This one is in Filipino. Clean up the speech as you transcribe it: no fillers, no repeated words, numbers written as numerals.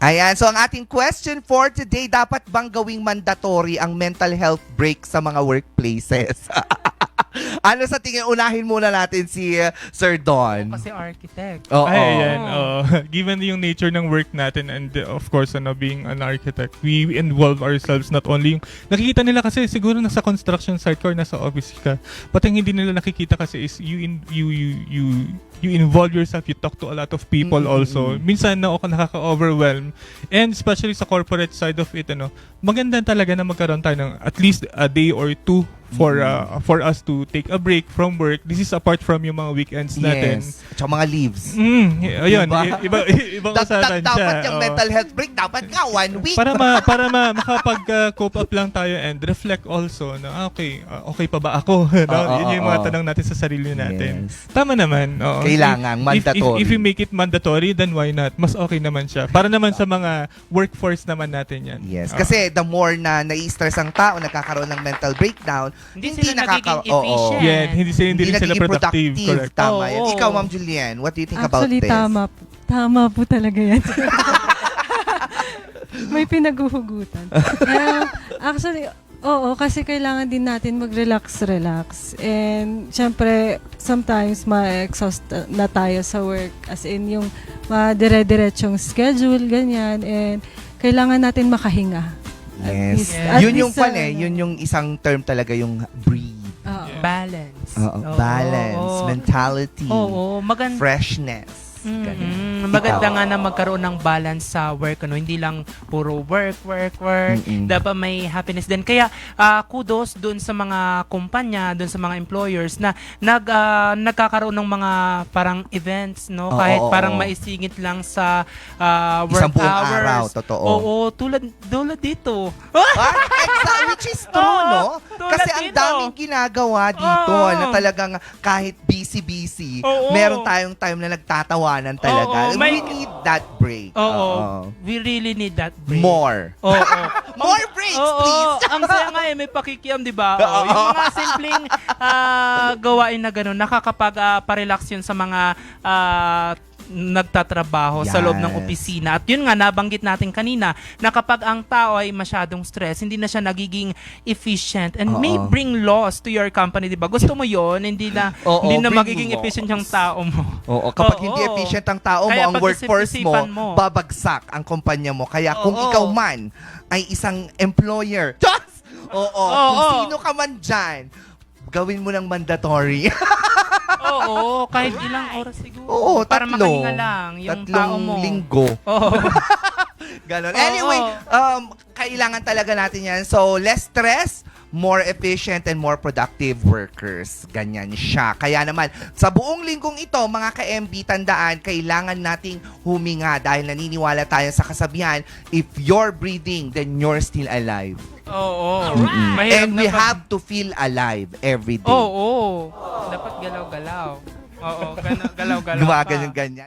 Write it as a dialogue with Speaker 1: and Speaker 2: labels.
Speaker 1: Ayan, so ang ating question for today, dapat bang gawing mandatory ang mental health break sa mga workplaces? Ano sa tingin? Unahin muna natin si Sir Don.
Speaker 2: Kasi architect.
Speaker 1: Oo.
Speaker 3: Ay, ayan. Given yung nature ng work natin and of course, being an architect, we involve ourselves not only yung... Nakikita nila kasi siguro nasa construction site ka or nasa office ka. But ang hindi nila nakikita kasi is you involve yourself, you talk to a lot of people also. Minsan na ako nakaka-overwhelm. And especially sa corporate side of it, maganda talaga na magkaroon tayo ng at least a day or two for us to take a break from work. This is apart from yung mga weekends natin.
Speaker 1: Yes. At saka mga leaves.
Speaker 3: Ayun,
Speaker 1: Diba?
Speaker 3: ibang usapan siya.
Speaker 1: Dapat yung
Speaker 3: Oo.
Speaker 1: mental health break, dapat nga 1 week.
Speaker 3: Para makapag-cope up lang tayo and reflect also na okay pa ba ako? Yun yung mga tanong natin sa sarili natin.
Speaker 1: Yes.
Speaker 3: Tama naman. Oo.
Speaker 1: Kailangan, mandatory.
Speaker 3: If you make it mandatory, then why not? Mas okay naman siya. Para naman sa mga workforce naman natin yan.
Speaker 1: Yes,
Speaker 3: Oo.
Speaker 1: kasi the more na nai-stress ang tao, nagkakaroon ng mental breakdown,
Speaker 2: Hindi sila nagiging
Speaker 1: oo.
Speaker 2: efficient.
Speaker 3: Yeah, hindi sila
Speaker 1: Hindi
Speaker 3: productive. Correct.
Speaker 1: Tama yan.
Speaker 2: Oo.
Speaker 1: Ikaw, Ma'am Julian, what do you think about
Speaker 4: Actually,
Speaker 1: this?
Speaker 4: tama po talaga yan. May pinaghuhugutan. Actually, oo, kasi kailangan din natin mag-relax. And syempre, sometimes ma-exhaust na tayo sa work. As in, yung dire-diretsong schedule, ganyan. And kailangan natin makahinga.
Speaker 1: Yes.
Speaker 4: At
Speaker 1: Yun yung
Speaker 4: least,
Speaker 1: yun yung isang term talaga, yung breathe.
Speaker 4: Oo.
Speaker 3: Yeah.
Speaker 2: Balance.
Speaker 1: Oo, balance, mentality,
Speaker 2: Oo, maganda.
Speaker 1: freshness. Ganun.
Speaker 2: Maganda
Speaker 1: Ikaw.
Speaker 2: nga na magkaroon ng balance sa work, hindi lang puro work. Dapat may happiness din. Kaya kudos doon sa mga kumpanya, doon sa mga employers na nagkakaroon ng mga parang events, no?
Speaker 1: Oo,
Speaker 2: Kahit
Speaker 1: oo,
Speaker 2: parang
Speaker 1: oo.
Speaker 2: maisingit lang sa work
Speaker 1: Isang buong
Speaker 2: hours.
Speaker 1: araw, totoo.
Speaker 2: Oo, tulad dito.
Speaker 1: Exactly, which is true, no?
Speaker 2: tulad
Speaker 1: Kasi ang
Speaker 2: dito.
Speaker 1: daming ginagawa dito
Speaker 2: Oo.
Speaker 1: na talagang kahit busy,
Speaker 2: Oo.
Speaker 1: meron tayong time na nagtatawanan talaga.
Speaker 2: Oo, may-
Speaker 1: We need that break.
Speaker 2: Oo. We really need that break.
Speaker 1: More.
Speaker 2: Oo.
Speaker 1: More breaks,
Speaker 2: Oo,
Speaker 1: please.
Speaker 2: ang saya nga may pakikiam, di ba? Oo, yung mga simpleng gawain na gano'n, nakakapag-parelax yun sa mga nagtatrabaho sa loob ng
Speaker 1: Yes.
Speaker 2: opisina. At yun nga, nabanggit natin kanina, na kapag ang tao ay masyadong stress, hindi na siya nagiging efficient and may bring loss to your company, di ba? Gusto mo yon hindi na,
Speaker 1: Oo,
Speaker 2: hindi na
Speaker 1: bring
Speaker 2: magiging
Speaker 1: loss.
Speaker 2: efficient yung tao mo.
Speaker 1: Oo, kapag
Speaker 2: Oo.
Speaker 1: hindi efficient ang tao mo,
Speaker 2: Kaya
Speaker 1: ang workforce mo,
Speaker 2: pag-isip-isipan mo.
Speaker 1: babagsak ang kumpanya mo. Kaya kung
Speaker 2: Oo.
Speaker 1: ikaw man ay isang employer, Oo, kung
Speaker 2: Oo.
Speaker 1: sino ka man dyan, gawin mo ng mandatory.
Speaker 2: Oo, kahit ilang oras siguro.
Speaker 1: Oo,
Speaker 2: para
Speaker 1: tatlo.
Speaker 2: makahinga lang yung tao mo.
Speaker 1: linggo.
Speaker 2: Oo.
Speaker 1: Ganon.
Speaker 2: Oo.
Speaker 1: Anyway, kailangan talaga natin yan. So, less stress, more efficient and more productive workers. Ganyan siya. Kaya naman, sa buong linggong ito, mga ka-MB, tandaan, kailangan nating huminga dahil naniniwala tayo sa kasabihan, if you're breathing, then you're still alive.
Speaker 2: Oo.
Speaker 1: And we have to feel alive every day.
Speaker 2: Oo. Dapat galaw-galaw. Oo, galaw-galaw.
Speaker 1: Gumaganon ganyan.